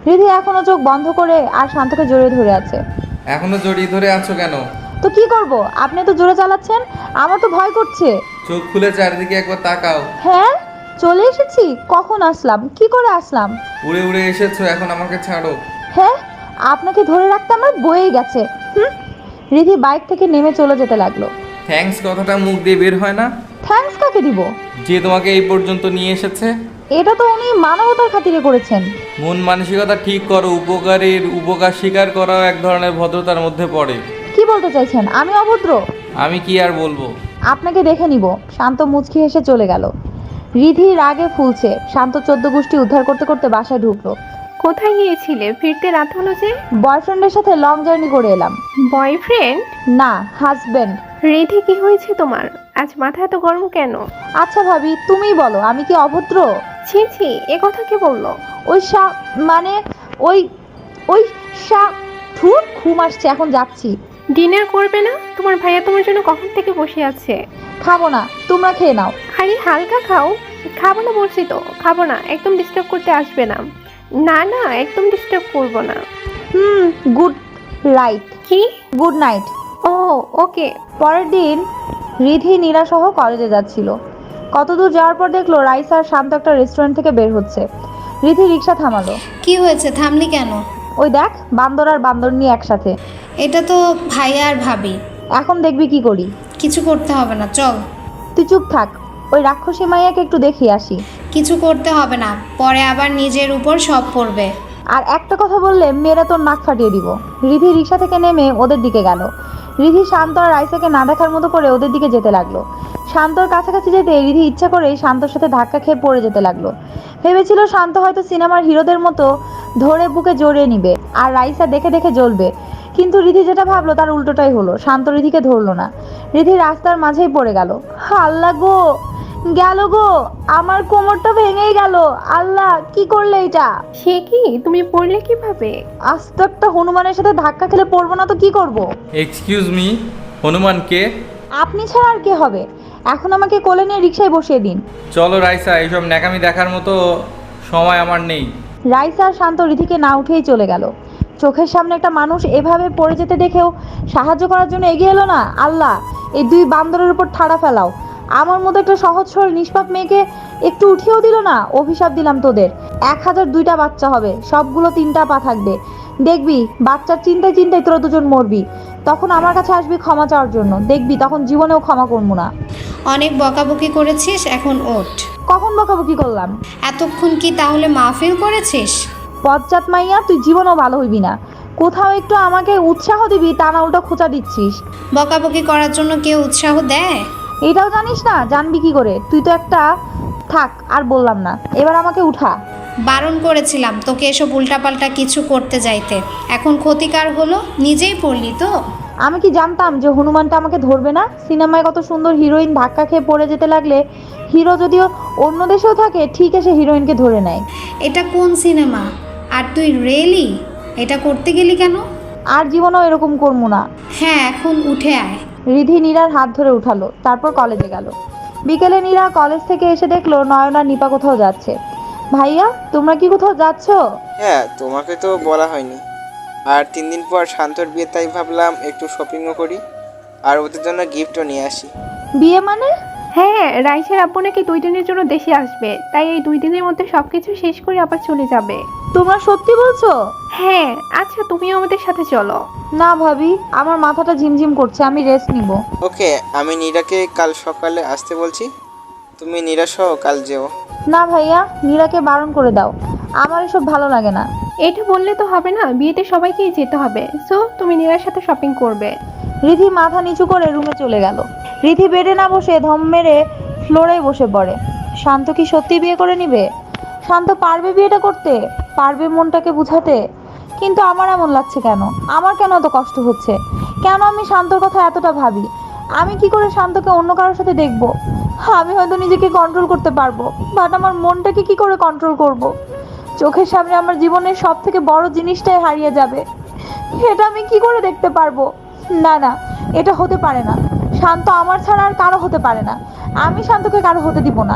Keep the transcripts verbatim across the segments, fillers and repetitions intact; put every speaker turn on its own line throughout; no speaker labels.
রিধি এখনো চোখ বন্ধ করে আর শান্তকে জড়িয়ে ধরে আছে।
এখনো জড়িয়ে ধরে আছো কেন?
তো কি করব, আপনি তো জোরে চালাচ্ছেন, আমার তো ভয় করছে।
চোখ খুলে চারিদিকে একবার তাকাও।
হ্যাঁ, চলে এসেছি। কখন আসলাম, কি করে আসলাম?
উড়ে উড়ে এসেছো, এখন আমাকে ছাড়ো।
হ্যাঁ, আপনাকে ধরে রাখতে আমার বয়ে গেছে। হুম। রিধি বাইক থেকে নেমে চলে যেতে লাগলো।
থ্যাঙ্কস কথাটা মুখ দিয়ে বের হয় না।
থ্যাঙ্কস কাকে দিব?
যে তোমাকে এই পর্যন্ত নিয়ে এসেছে।
এটা তো উনি মানবতার খাতিরে করেছেন।
মন মানসিকতা ঠিক করো, উপকারীর উপকার স্বীকার করাও এক ধরনের ভদ্রতার মধ্যে পড়ে।
কি বলতে চাইছেন, আমি অভদ্র?
আমি কি আর বলবো।
আপনাকে দেখে নিব। শান্ত মুচকি হেসে চলে গেল। রিধি রাগে ফুলছে। শান্ত চোদ্দ গোষ্ঠী উদ্ধার করতে করতে বাসায় ঢুকলো।
কোথায় গিয়েছিলে? ফিরতে রাত হলো যে।
বয়ফ্রেন্ডের সাথে লং জার্নি করে এলাম।
বয়ফ্রেন্ড?
না, হাজবেন্ড।
রিধি, কি হয়েছে তোমার? আজ মাথা এত গরম কেন?
আচ্ছা ভাবি, তুমিই বলো, আমি কি অভদ্র?
ছি ছি, এ কথা কে বললো?
ওই সা মানে ওই ওই সা ধুর, ঘুম আসছে, এখন যাচ্ছি।
ডিনার করবে না? তোমার ভাইয়া তোমার জন্য কখন থেকে বসে আছে।
খাবো না, তোমরা খেয়ে নাও।
আরে হালকা খাও। খাবো না বলছি তো, খাবো না। একদম ডিস্টার্ব করতে আসবে না। না না, একদম ডিস্টার্ব করবো না।
Hmm, good right.
কি?
Good night.
Oh okay.
পরের দিন রিধি নীরাসহ কলেজে যাচ্ছিল। কতদূর যাওয়ার পর দেখলো রাইস আর শান্ত একটা রেস্টুরেন্ট থেকে বের হচ্ছে। রিধি রিক্সা থামালো।
কি হয়েছে, থামলি কেন?
ওই দেখ, বান্দর আর বান্দর নিয়ে একসাথে।
এটা তো ভাইয়া আর ভাবি।
এখন দেখবি কি করি।
কিছু করতে হবে না, চল।
তুই চুপ থাক, ওই রাক্ষসী মাইয়াকে একটু দেখিয়ে আসি।
কিছু করতে হবে না, পরে আবার নিজের উপর সব পড়বে।
আর একটা কথা বললে মেয়েরা তোর নাক ফাটিয়ে দিব। রিধি রিক্সা থেকে নেমে ওদের দিকে গেল। রিধি শান্ত আর রাইসাকে না দেখার মতো করে ওদের দিকে যেতে লাগলো। শান্তর কাছাকাছি যেতে রিধি ইচ্ছা করে শান্তর সাথে ধাক্কা খেয়ে পড়ে যেতে লাগলো। ভেবেছিল শান্ত হয়তো সিনেমার হিরোদের মতো ধরে বুকে জড়িয়ে নিবে আর রাইসা দেখে দেখে জ্বলবে, কিন্তু রিধি যেটা ভাবলো তার উল্টোটাই হলো। শান্ত রিধিকে ধরলো না। রিধি রাস্তার মাঝেই পড়ে গেল। আল্লাহ গো, গেল গো, আমার কোমরটা ভেঙেই গেল। আল্লাহ, কি করলে এটা?
সে কি, তুমি পড়লে কিভাবে?
আস্ত একটা হনুমানের সাথে ধাক্কা খেলে পড়বো না তো কি করব?
এক্সকিউজ মি, হনুমান কে?
আপনি ছাড়া আর কে হবে? এখন আমাকে কোলে নিয়ে রিক্সায় বসিয়ে দিন।
চলো রাইসা, এইসব ন্যাকামি দেখার মতো সময় আমার নেই।
রাইসা আর শান্ত রিধিকে না উঠেই চলে গেল। চোখের সামনে একটা মানুষ এভাবে পড়ে যেতে দেখেও সাহায্য করার জন্য এগিয়ে এলো না। আল্লাহ, এই দুই বান্দরের উপর ঠাড়া ফেলাও। আমার মতো একটা সহজ সরল নিষ্পাপ মেয়েকে একটু উঠিয়েও দিল না। অভিশাপ দিলাম তোদের। এক হাজার দুইটা বাচ্চা হবে, সবগুলো তিনটা পা থাকবে। দেখবি বাচ্চার চিন্তায় চিন্তায় তোরা দুজন মরবি। তখন আমার কাছে আসবি ক্ষমা চাওয়ার জন্য। দেখবি তখন জীবনেও ক্ষমা করবো না।
অনেক বকাবকি করেছিস, এখন ওঠ।
কখন বকাবকি করলাম?
এতক্ষণ কি তাহলে মাহফিল করেছিস?
পশ্চাৎ মাইয়া, তুই জীবনেও ভালো হইবি না। কোথাও একটু আমাকে উৎসাহ দিবি, তা না উল্টো খোঁচা দিচ্ছিস।
বকাবকি করার জন্য কেউ উৎসাহ দেয়?
এটাও জানিস না? জানবি কি করে? তুই তো একটা, থাক আর বললাম না, এবার আমাকে উঠা।
বারণ করেছিলাম তোকে এসব উল্টাপাল্টা কিছু করতে যাইতে। এখন ক্ষতিকার হলো, নিজেই পড়লি তো।
আমি কি জানতাম যে হনুমানটা আমাকে ধরবে না? সিনেমায় কত সুন্দর হিরোইন ধাক্কা খেয়ে পড়ে যেতে লাগলে হিরো যদিও অন্য দেশেও থাকে, ঠিক এসে হিরোইনকে ধরে নেয়।
এটা কোন সিনেমা? আর তুই রেলি এটা করতে গেলি কেন?
আর জীবনেও এরকম করবো না।
হ্যাঁ, এখন উঠে আয়।
রিধি নীরার হাত ধরে উঠালো, তারপর কলেজে গেল। বিকেলে নীরা কলেজ থেকে এসে দেখলো নয়ন আর নিপা কোথাও যাচ্ছে। ভাইয়া, তোমরা কি কোথাও যাচ্ছ?
হ্যাঁ, তোমাকে তো বলা হয়নি। আর তিন দিন পর শান্তর বিয়ে, তাই ভাবলাম একটু শপিংও করি আর ওদের জন্য গিফটও নিয়ে আসি।
বিয়ে মানে?
হ্যাঁ, রাইসের আব্বু নাকি দুই দিনের জন্য দেশে আসবে, তাই এই দুই দিনের মধ্যে সবকিছু শেষ করে আবার চলে যাবে।
তোমরা সত্যি বলছো?
হ্যাঁ। আচ্ছা, তুমিও আমাদের সাথে চলো।
না ভাবি, আমার মাথাটা ঝিমঝিম করছে, আমি রেস্ট নিব।
ওকে, আমি নীরাকে কাল সকালে আসতে বলছি, তুমি নীরা সহ কাল যেও।
না ভাইয়া, নীরাকে বারণ করে দাও, আমার এসব ভালো লাগে না।
এটা বললে তো হবে না, বিয়েতে সবাইকেই যেতে হবে। সো তুমি নীরার সাথে শপিং করবে।
রিধি মাথা নিচু করে রুমে চলে গেল। রিধি বেডে না বসে ধম মেরে ফ্লোরে বসে পড়ে। শান্ত কি সত্যি বিয়ে করে নিবে? শান্ত পারবে বিয়েটা করতে? পারবে মনটাকে বুঝাতে? কিন্তু আমার এমন লাগছে কেন? আমার কেন এত কষ্ট হচ্ছে? কেন আমি শান্তর কথা এতটা ভাবি? আমি কি করে শান্তকে অন্য কারোর সাথে দেখব? আমি হয়তো নিজেকে কন্ট্রোল করতে পারবো, বাট আমার মনটাকে কি করে কন্ট্রোল করব? চোখের সামনে আমার জীবনের সব থেকে বড় জিনিসটাই হারিয়ে যাবে। এটা আমি কি করে দেখতে পারবো? না না, এটা হতে পারে না। শান্ত আমার ছাড়া আর কারো হতে পারে না। আমি শান্তকে কারো হতে দিব না।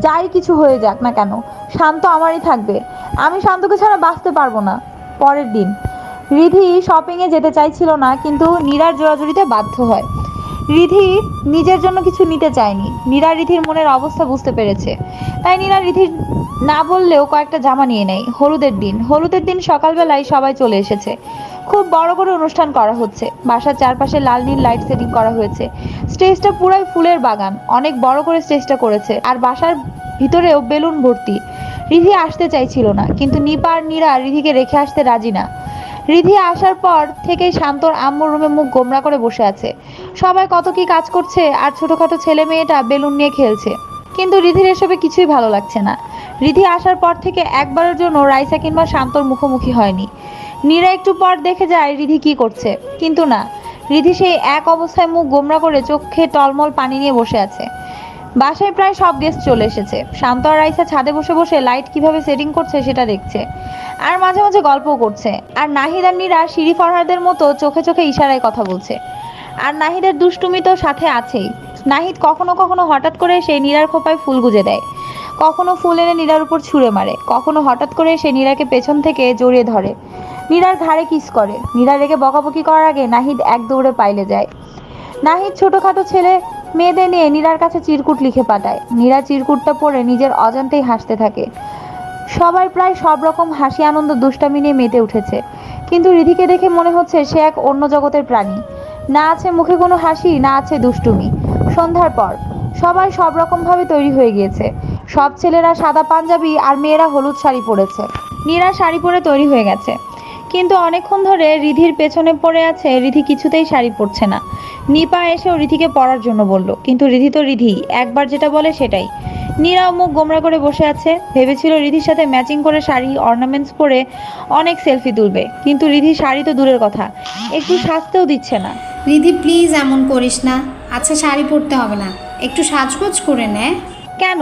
যাই কিছু হয়ে যাক না কেন, শান্ত আমারই থাকবে। আমি শান্তকে ছাড়া বাঁচতে পারবো না। পরের দিন রিধি শপিংয়ে যেতে চাইছিল না, কিন্তু নীরার জোরাজুরিতে বাধ্য হয়। রিধি নিজের জন্য কিছু নিতে চায়নি। নীরা রিধির মনের অবস্থা বুঝতে পেরেছে, তাই নীরা রিধির না বললেও কয়েকটা জামা নিয়ে নেয়। হলুদের দিন হলুদের দিন সকালবেলায় সবাই চলে এসেছে। খুব বড় করে অনুষ্ঠান করা হচ্ছে। বাসার চারপাশে লাল নীল লাইট সেটিং করা হয়েছে। স্টেজটা পুরাই ফুলের বাগান, অনেক বড় করে স্টেজটা করেছে। আর বাসার ভিতরেও বেলুন ভর্তি। রিধি আসতে চাইছিল না, কিন্তু নিপা আর নীরা রিধিকে রেখে আসতে রাজি না। রিধি আসার পর থেকেই শান্তর আম্মুর রুমে মুখ গোমরা করে বসে আছে। সবাই কত কি কাজ করছে, আর ছোটখাটো ছেলে মেয়েটা বেলুন নিয়ে খেলছে, কিন্তু রিধির এসবে কিছুই ভালো লাগছে না। রিধি আসার পর থেকে একবারের জন্য রাইসা কিংবা শান্তর মুখোমুখি হয়নি। নীরা একটু পর দেখে যায় রিধি কি করছে, কিন্তু না, রিধি সেই এক অবস্থায় মুখ গোমরা করে চোখে টলমল পানি নিয়ে বসে আছে। বাসায় প্রায় সব গেস্ট চলে এসেছে। শান্ত আর রাইসা ছাদে বসে বসে লাইট কিভাবে সেটিং করছে সেটা দেখছে, আর মাঝে মাঝে গল্পও করছে। আর নাহিদ আর নীরা শিরি ফরহাদের মতো চোখে চোখে ইশারায় কথা বলছে। আর নাহিদের দুষ্টুমি তো সাথে আছেই। নাহিদ কখনো কখনো হঠাৎ করে সেই নীরার খোপায় ফুল গুজে দেয়, কখনো ফুল এনে নীরার উপর ছুঁড়ে মারে, কখনো হঠাৎ করে সে নীরাকে পেছন থেকে জড়িয়ে ধরে, নীরার ঘাড়ে কিস করে। নীরা রেগে বকাবকি করার আগে নাহিদ এক দৌড়ে পাইলে যায়। নাহিদ ছোটখাটো ছেলে মেয়েদের নিয়ে নীরার কাছে চিরকুট লিখে পাঠায়। নীরা চিরকুটটা পড়ে নিজের অজান্তেই হাসতে থাকে। সবাই প্রায় সব রকম হাসি আনন্দ দুষ্টামি নিয়ে মেতে উঠেছে, কিন্তু রিধিকে দেখে মনে হচ্ছে সে এক অন্য জগতের প্রাণী। না আছে মুখে কোনো হাসি, না আছে দুষ্টুমি। সন্ধ্যার পর সবাই সব রকমভাবে তৈরি হয়ে গিয়েছে। সব ছেলেরা সাদা পাঞ্জাবি আর মেয়েরা হলুদ শাড়ি পরেছে। নীরা শাড়ি পরে তৈরি হয়ে গেছে, কিন্তু অনেকক্ষণ ধরে রিধির পেছনে পড়ে আছে। রিধি কিছুতেই শাড়ি পরছে না। নিপা এসেও রিধিকে পরার জন্য বলল, কিন্তু রিধি তো রিধি, একবার যেটা বলে সেটাই। নীরাও মুখ গোমরা করে বসে আছে। ভেবেছিল রিধির সাথে ম্যাচিং করে শাড়ি অর্নামেন্টস পরে অনেক সেলফি তুলবে, কিন্তু রিধি শাড়ি তো দূরের কথা, একটু সাজতেও দিচ্ছে না।
রিধি প্লিজ এমন করিস না। আচ্ছা শাড়ি পরতে হবে না, একটু সাজগোজ করে নে।
কেন?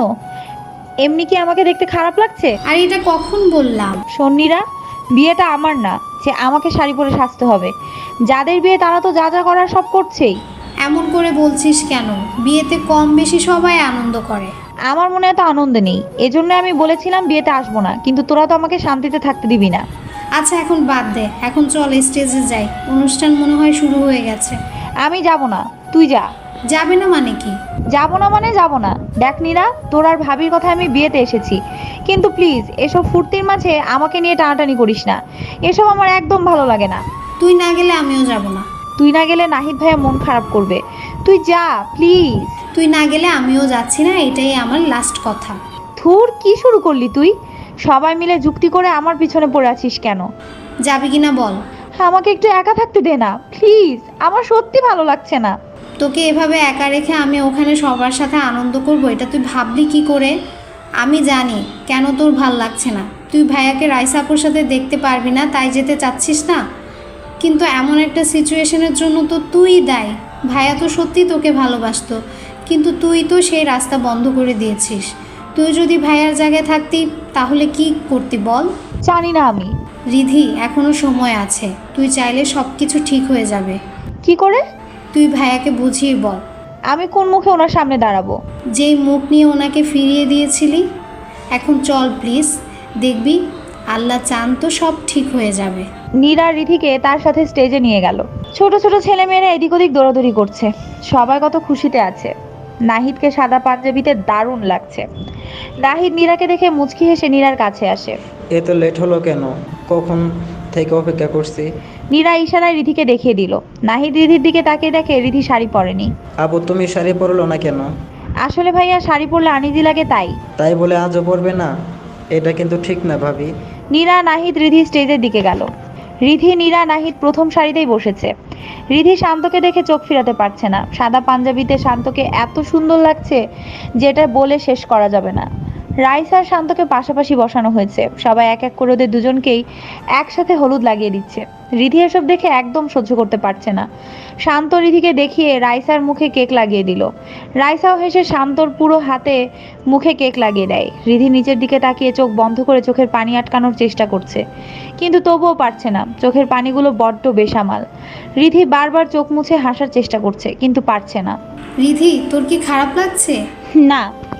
এমনি কি আমাকে দেখতে খারাপ লাগছে?
আর এটা কখন বললাম?
সন্নিরা, বিয়েটা আমার না যে আমাকে শাড়ি পরে সাজতে হবে। যাদের বিয়ে তারা তো যা যা করার সব করছেই।
এমন করে বলছিস কেন? বিয়েতে কম বেশি সবাই আনন্দ করে।
আমার মনে এত আনন্দ নেই, এজন্য আমি বলেছিলাম বিয়েতে আসবো না, কিন্তু তোরা তো আমাকে শান্তিতে থাকতে দিবি না।
আচ্ছা এখন বাদ দে, এখন চল স্টেজে যাই। অনুষ্ঠান মনে হয় শুরু হয়ে গেছে।
আমি যাব না, তুই যা।
যাবে না মানে কি?
যাব না মানে যাব না। দেখ নীরা, তোর আর ভাবির কথা আমি বিয়েতে এসেছি, কিন্তু প্লিজ এসব ফুর্তির মাঝে আমাকে নিয়ে টানাটানি করিস না। এসব আমার একদম ভালো লাগে না।
তুই না গেলে আমিও যাব না।
তুই না গেলে নাহিদ ভাইয়া মন খারাপ করবে। তুই যা প্লিজ।
তুই না গেলে আমিও যাচ্ছি না, এটাই আমার লাস্ট কথা।
থুর, কি শুরু করলি তুই? সবাই মিলে যুক্তি করে আমার পিছনে পড়ে আছিস কেন?
যাবি কিনা বল।
আমাকে একটু একা থাকতে দে না প্লিজ, আমার সত্যি ভালো লাগছে না।
তোকে এভাবে একা রেখে আমি ওখানে সবার সাথে আনন্দ করব, এটা তুই ভাবলি কি করে? আমি জানি কেন তোর ভাল লাগছে না। তুই ভাইয়াকে রাইসাপুর সাথে দেখতে পারবি না, তাই যেতে চাচ্ছিস না। কিন্তু এমন একটা সিচুয়েশনের জন্য তো তুই দায়ী। ভাইয়া তো সত্যি তোকে ভালোবাসতো, কিন্তু তুই তো সেই রাস্তা বন্ধ করে দিয়েছিস। তুই যদি ভাইয়ার জায়গায় থাকতি তাহলে কি করতি বল?
জানি না আমি।
রিধি, এখনো সময় আছে। তুই চাইলে সব কিছু ঠিক হয়ে যাবে।
কি করে?
তুই ভাইয়াকে বুঝিয়ে বল।
আমি কোন মুখে ওনার সামনে দাঁড়াবো?
যেই মুখ নিয়ে ওনাকে ফিরিয়ে দিয়েছিলি। এখন চল প্লিজ, দেখবি আল্লাহ চান তো সব ঠিক হয়ে যাবে।
নীরা রিধিকে তার সাথে স্টেজে নিয়ে গেল। ছোট ছোট ছেলেমেয়েরা এদিক ওদিক দৌড়াদৌড়ি করছে। সবাই কত খুশিতে আছে। নাহিদকে সাদা পাঞ্জাবিতে দারুণ লাগছে। নাহিদ নীরাকে দেখে মুচকি হেসে নীরার কাছে আসে।
এত লেট হলো কেন? কখন থেকে অপেক্ষা করছি।
নীরা ইশারায় রিধিকে দেখিয়ে দিল। নাহিদ রিধির দিকে তাকিয়ে দেখে রিধি শাড়ি পরেনি।
আবু, তুমি শাড়ি পরলো না কেন?
আসলে ভাইয়া শাড়ি পরলে আনিজি লাগে তাই।
তাই বলে আজও পরবে না? এটা কিন্তু ঠিক না ভাবি।
নীরা নাহিদ রিধি স্টেজের দিকে গেল। রিধি নীরা নাহিদ প্রথম সারিতেই বসেছে। রিধি শান্তকে দেখে চোখ ফিরাতে পারছে না। সাদা পাঞ্জাবিতে শান্তকে এত সুন্দর লাগছে যেটা বলে শেষ করা যাবে না। রাইসা আর শান্তকে পাশাপাশি বসানো হয়েছে। সবাই এক এক করে ওদের দুজনকেই একসাথে হলুদ লাগিয়ে দিচ্ছে। রিধি এসব দেখে একদম সহ্য করতে পারছে না। শান্ত রিধিকে দেখিয়ে রাইসার মুখে কেক লাগিয়ে দিল। রাইসাও হেসে শান্তর পুরো হাতে মুখে কেক লাগিয়ে দেয়। রিধি নিচের দিকে তাকিয়ে চোখ বন্ধ করে চোখের পানি আটকানোর চেষ্টা করছে, কিন্তু তবুও পারছে না। চোখের পানিগুলো বড্ড বেসামাল। রিধি বারবার চোখ মুছে হাসার চেষ্টা করছে, কিন্তু পারছে না।
রিধি, তোর কি খারাপ লাগছে?
না।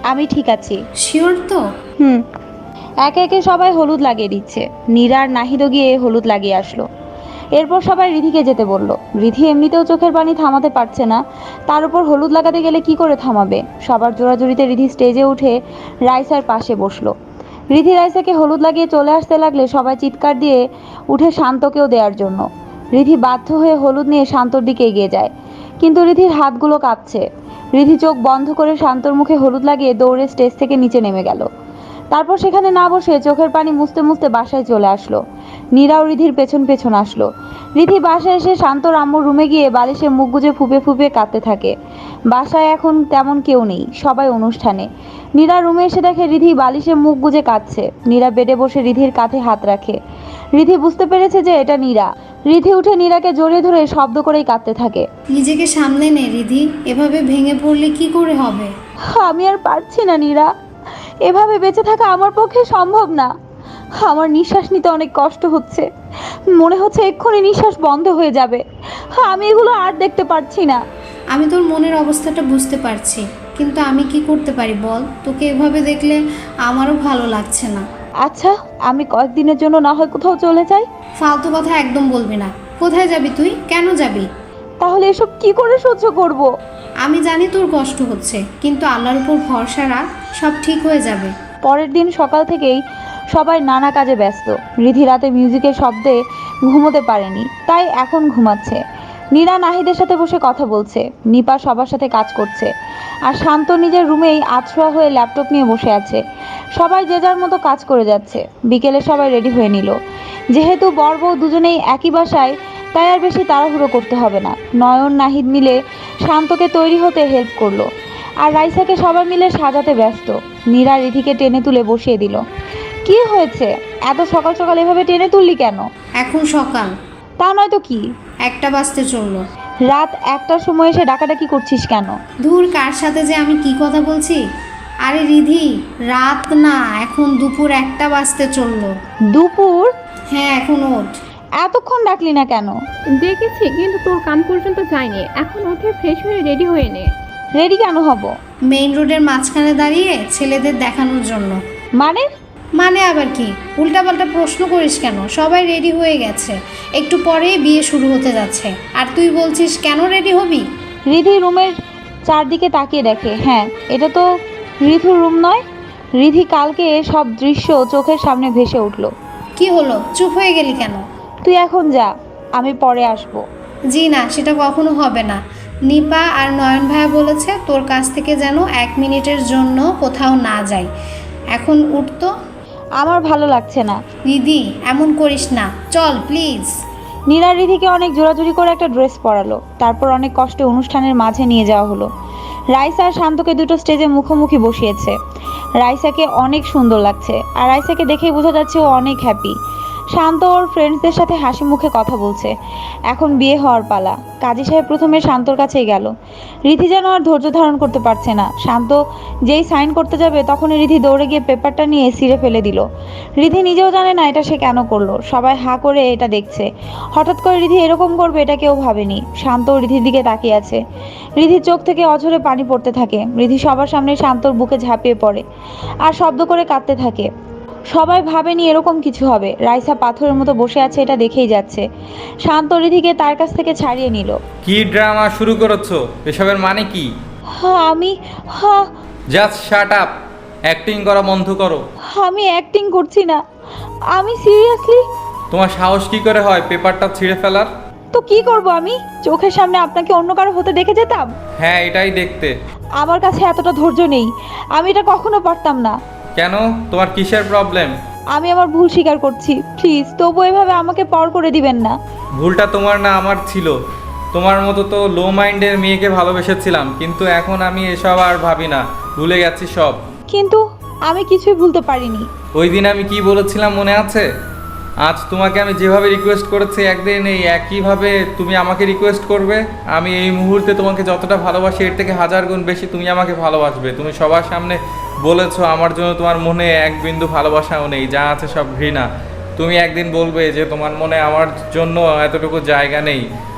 আমি ঠিক আছি।
শিওর তো?
হুম। একে একে সবাই হলুদ লাগিয়ে দিচ্ছে। নীরা আর নাহিদও গিয়ে হলুদ লাগিয়ে আসলো। এরপর সবাই রিধিকে যেতে বলল। রিধি এমনিতেও চোখের পানি থামাতে পারছে না, তার উপর হলুদ লাগাতে গেলে কি করে থামাবে। সবার জোরাজুরিতে রিধি স্টেজে উঠে রাইসার পাশে বসলো। রিধি রাইসাকে হলুদ লাগিয়ে চলে আসতে লাগলে সবাই চিৎকার দিয়ে উঠে শান্তকেও দেওয়ার জন্য। রিধি বাধ্য হয়ে হলুদ নিয়ে শান্তর দিকে এগিয়ে যায়, কিন্তু রিধির হাতগুলো কাঁপছে। রিধি চোখ বন্ধ করে শান্তর মুখে হলুদ লাগিয়ে দৌড়ে স্টেজ থেকে নিচে নেমে গেল। তারপর সেখানে না বসে চোখের পানি মুছতে মুছতে বাসায় চলে আসলো। নীরাও রিধির পেছন পেছন আসলো। রিধি বাসায় এসে শান্তর আম্মুর রুমে গিয়ে বালিশে মুখ গুজে ফুপে ফুপে কাঁদতে থাকে। বাসায় এখন তেমন কেউ নেই, সবাই অনুষ্ঠানে। নীরা রুমে এসে দেখে রিধি বালিশে মুখ গুজে কাঁদছে। নীরা বেডে বসে রিধির কাঁধে হাত রাখে। রিধি বুঝতে পেরেছে যে এটা নীরা। রিধি উঠে নীরাকে জড়িয়ে ধরে শব্দ করেই কাঁদতে থাকে।
নিজেকে সামলে নে রিধি, এভাবে ভেঙে পড়লে কি করে হবে?
আমি আর পারছি না নীরা, এভাবে বেঁচে থাকা আমার পক্ষে সম্ভব না। আমার নিঃশ্বাস নিতে অনেক কষ্ট হচ্ছে, মনে হচ্ছে এক্ষুনি নিঃশ্বাস বন্ধ হয়ে যাবে। আমি এগুলো আর দেখতে পারছি না।
আমি তোর মনের অবস্থাটা বুঝতে পারছি, কিন্তু আমি কি করতে পারি বল? তোকে এভাবে দেখলে আমারও ভালো লাগছে না।
আচ্ছা, আমি কয়েকদিনের জন্য না হয় কোথাও চলে যাই।
ফালতু কথা একদম বলবি না। কোথায় যাবি তুই? কেন যাবি?
তাহলে এসব কি করে সহ্য করব?
আমি জানি তোর কষ্ট হচ্ছে, কিন্তু আল্লাহর উপর ভরসা রাখ, সব ঠিক হয়ে যাবে।
পরের দিন সকাল থেকেই সবাই নানা কাজে ব্যস্ত। রিধি রাতে মিউজিকের শব্দে ঘুমোতে পারেনি, তাই এখন ঘুমাচ্ছে। নীরা নাহিদের সাথে বসে কথা বলছে। নিপা সবার সাথে কাজ করছে। আর শান্ত নিজের রুমেই আতশোয়া হয়ে ল্যাপটপ নিয়ে বসে আছে। সবাই যে যার মতো কাজ করে যাচ্ছে। বিকেলে সবাই রেডি হয়ে নিল। যেহেতু বর বউ দুজনেই একই বাসায়, তাই আর বেশি তাড়াহুড়ো করতে হবে না। নয়ন নাহিদ মিলে শান্তকে তৈরি হতে হেল্প করলো, আর রাইসাকে সবাই মিলে সাজাতে ব্যস্ত। নীরা রিধিকে টেনে তুলে বসিয়ে দিল। কি হয়েছে, এত সকাল সকাল এভাবে টেনে তুললি কেন?
এখন সকাল।
তা নয় তো কি,
একটা বাজতে চললো।
রাত একটার সময় এসে ডাকাডাকি করছিস কেন?
ধুর, কার সাথে যে আমি কি কথা বলছি। আরে রিধি, রাত না, এখন দুপুর একটা বাজতে চললো।
দুপুর?
হ্যাঁ, এখন ওঠ।
এতক্ষণ ডাকলি না কেন?
দেখেছি, কিন্তু তোর কান পর্যন্ত যায়নি। এখন উঠে ফ্রেশ হয়ে রেডি হয়ে নে।
রেডি কেন হব?
মেইন রোডের মাঝখানে দাঁড়িয়ে ছেলেদের দেখানোর জন্য।
মানে?
মানে আবার কি? উল্টাপাল্টা প্রশ্ন করিস কেন? সবাই রেডি হয়ে গেছে, একটু পরেই বিয়ে শুরু হতে যাচ্ছে, আর তুই বলছিস কেন রেডি হবি?
রিধি রুমের চারদিকে তাকিয়ে দেখে, হ্যাঁ, এটা তো রিধুর রুম নয়। রিধি কালকে সব দৃশ্য চোখের সামনে ভেসে উঠল।
কি হলো, চুপ হয়ে গেলি কেন?
তুই এখন যা, আমি পরে আসবো।
জি না, সেটা কখনো হবে না। নিপা আর নয়ন ভাইয়া বলেছে তোর কাছ থেকে যেন এক মিনিটের জন্য কোথাও না যাই। এখন উঠতো।
আমার ভালো লাগছে না।
দিদি, এমন করিস না, চল প্লিজ।
নীরা রিধিকে অনেক জোরাজুরি করে একটা ড্রেস পরালো। তারপর অনেক কষ্টে অনুষ্ঠানের মাঝে নিয়ে যাওয়া হলো। রাইসা আর শান্তকে দুটো স্টেজে মুখোমুখি বসিয়েছে। রাইসাকে অনেক সুন্দর লাগছে, আর রাইসাকে দেখেই বোঝা যাচ্ছে ও অনেক হ্যাপি। শান্ত ওর ফ্রেন্ডসদের সাথে হাসি মুখে কথা বলছে। এখন বিয়ে হওয়ার পালা। কাজী সাহেব প্রথমে শান্তর কাছেই গেল। রিধি যেন আর ধৈর্য ধারণ করতে পারছে না। শান্ত যেই সাইন করতে যাবে তখনই রিধি দৌড়ে গিয়ে পেপারটা নিয়ে ছিঁড়ে ফেলে দিল। রিধি নিজেও জানে না এটা সে কেন করলো। সবাই হাঁ করে এটা দেখছে। হঠাৎ করে রিধি এরকম করবে এটা কেউ ভাবেনি। শান্ত রিধির দিকে তাকিয়ে আছে। রিধির চোখ থেকে অঝরে পানি পড়তে থাকে। রিধি সবার সামনে শান্তর বুকে ঝাঁপিয়ে পড়ে আর শব্দ করে কাঁদতে থাকে। সবাই ভাবেনি এরকম কিছু হবে। রাইসা পাথরের মতো বসে আছে, এটা দেখেই যাচ্ছে। শান্ত রিধিকে তার কাছ থেকে ছাড়িয়ে নিল।
কি ড্রামা শুরু করেছো? এসবের মানে কি?
হ্যাঁ আমি হ্যাঁ
জাস্ট শাট আপ, অ্যাক্টিং করা বন্ধ করো।
আমি অ্যাক্টিং করছি না, আমি সিরিয়াসলি।
তোমার সাহস কি করে হয় পেপারটা ছিঁড়ে ফেলার?
তো কি করব আমি? চোখের সামনে আপনাকে অন্য কারো হতে দেখে যেতাম?
হ্যাঁ, এটাই দেখতে।
আমার কাছে এতটা ধৈর্য নেই, আমি এটা কখনো পারতাম না।
কেন, তোমার কিসের প্রবলেম?
আমি আমার ভুল স্বীকার করছি, প্লিজ তবু এভাবে আমাকে পর করে দিবেন না।
ভুলটা তোমার না আমার ছিল। তোমার মতো তো লো মাইন্ডের মেয়েকে ভালোবেসেছিলাম, কিন্তু এখন আমি এসব আর ভাবি না, ভুলে গেছি সব।
কিন্তু আমি কিছুই ভুলতে পারিনি।
ওই দিন আমি কি বলেছিলাম মনে আছে? আজ তোমাকে আমি যেভাবে রিকোয়েস্ট করেছি, একদিন এই একইভাবে তুমি আমাকে রিকোয়েস্ট করবে। আমি এই মুহূর্তে তোমাকে যতটা ভালোবাসি এর থেকে হাজার গুণ বেশি তুমি আমাকে ভালোবাসবে। তুমি সবার সামনে বলেছো আমার জন্য তোমার মনে এক বিন্দু ভালোবাসাও নেই, যা আছে সব ঘৃণা। তুমি একদিন বলবে যে তোমার মনে আমার জন্য এতটুকু জায়গা নেই।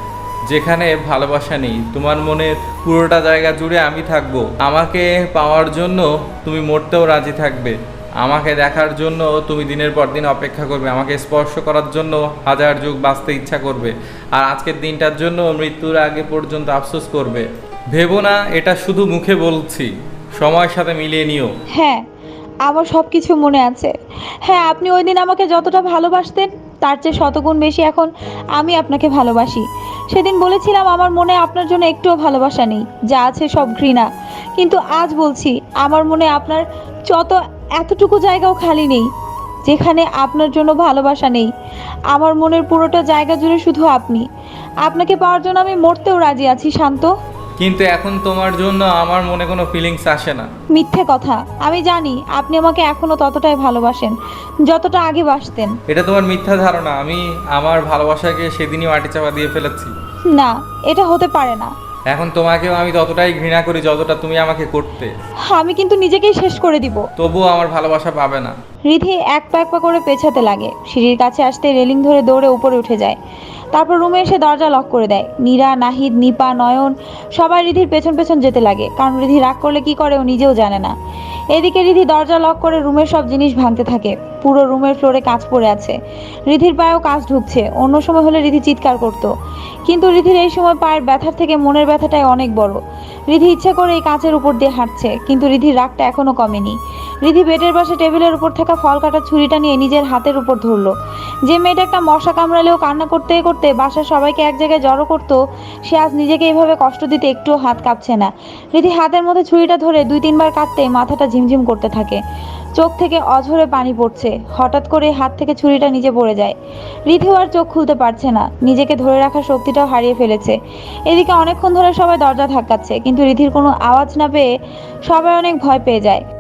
যেখানে ভালোবাসা নেই। তোমার মনের পুরোটা জায়গা জুড়ে আমি থাকবো। আমাকে পাওয়ার জন্য তুমি মরতেও রাজি থাকবে। আমাকে দেখার জন্য তুমি দিনের পর দিন অপেক্ষা করবে। আমাকে স্পর্শ করার জন্য হাজার যুগ বাঁচতে ইচ্ছা করবে। আর আজকের দিনটার জন্য মৃত্যুর আগে পর্যন্ত আফসোস করবে। ভেবো না এটা শুধু মুখে বলছি, সময়ের সাথে মিলিয়ে নিও।
হ্যাঁ, আমার সব কিছু মনে আছে। হ্যাঁ, আপনি ওই দিন আমাকে যতটা ভালোবাসতেন তার চেয়ে শতগুণ বেশি এখন আমি আপনাকে ভালোবাসি। সেদিন বলেছিলাম আমার মনে আপনার জন্য একটুও ভালোবাসা নেই, যা আছে সব ঘৃণা। কিন্তু আজ বলছি আমার মনে আপনার যত এতটুকু জায়গাও খালি নেই যেখানে আপনার জন্য ভালোবাসা নেই। আমার মনের পুরোটা জায়গা জুড়ে শুধু আপনি। আপনাকে পাওয়ার জন্য আমি মরতেও রাজি আছি শান্ত।
কিন্তু এখন তোমার জন্য আমার মনে কোনো ফিলিংস আসে না।
মিথ্যে কথা। আমি জানি আপনি আমাকে এখনো ততটাই ভালোবাসেন যতটা আগে বাসতেন।
এটা তোমার মিথ্যা ধারণা। আমি আমার ভালোবাসাকে সেদিনই মাটি চাপা দিয়ে ফেলেছি।
না, এটা হতে পারে না।
এখন তোমাকেও আমি ততটাই ঘৃণা করি যতটা তুমি আমাকে করতে।
আমি কিন্তু নিজেকেই শেষ করে দিব।
তবুও আমার ভালোবাসা পাবে না।
রিধি এক পা এক পা করে পেছাতে লাগে। সিঁড়ির কাছে আসতে রেলিং ধরে দৌড়ে উপরে উঠে যায়। তারপর রুমে এসে দরজা লক করে দেয়। নীরা, নাহিদ, নিপা, নয়ন সবাই রিধির পেছন পেছন যেতে লাগে, কারণ রিধি রাগ করলে কি করে ও নিজেও জানে না। এদিকে রিধি দরজা লক করে রুমের সব জিনিস ভাঙতে থাকে। পুরো রুমের ফ্লোরে কাঁচ পড়ে আছে। রিধির পায়েও কাঁচ ঢুকছে। অন্য সময় হলে রিধি চিৎকার করতো, কিন্তু রিধির এই সময় পায়ের ব্যথার থেকে মনের ব্যথাটাই অনেক বড়। রিধি ইচ্ছা করে এই কাঁচের উপর দিয়ে হাঁটছে, কিন্তু রিধির রাগটা এখনো কমেনি। রিধি বেডের পাশে টেবিলের উপর থাকা ফল কাটার ছুরিটা নিয়ে নিজের হাতের উপর ধরলো। যে মেয়েটা একটা মশা কামড়ালেও কান্না করতে করতে বাসার সবাইকে এক জায়গায় জড়ো করতো, সে আজ নিজেকে এইভাবে কষ্ট দিতে একটুও হাত কাঁপছে না। রিধি হাতের মধ্যে ছুরিটা ধরে দুই তিনবার কাটতে মাথাটা ঝিমঝিম করতে থাকে। চোখ থেকে অঝরে পানি পড়ছে। হঠাৎ করে হাত থেকে ছুরিটা নিচে পড়ে যায়। রিধিও আর চোখ খুলতে পারছে না, নিজেকে ধরে রাখার শক্তিটাও হারিয়ে ফেলেছে। এদিকে অনেকক্ষণ ধরে সবাই দরজা ধাক্কাচ্ছে, কিন্তু রিধির কোনো আওয়াজ না পেয়ে সবাই অনেক ভয় পেয়ে যায়।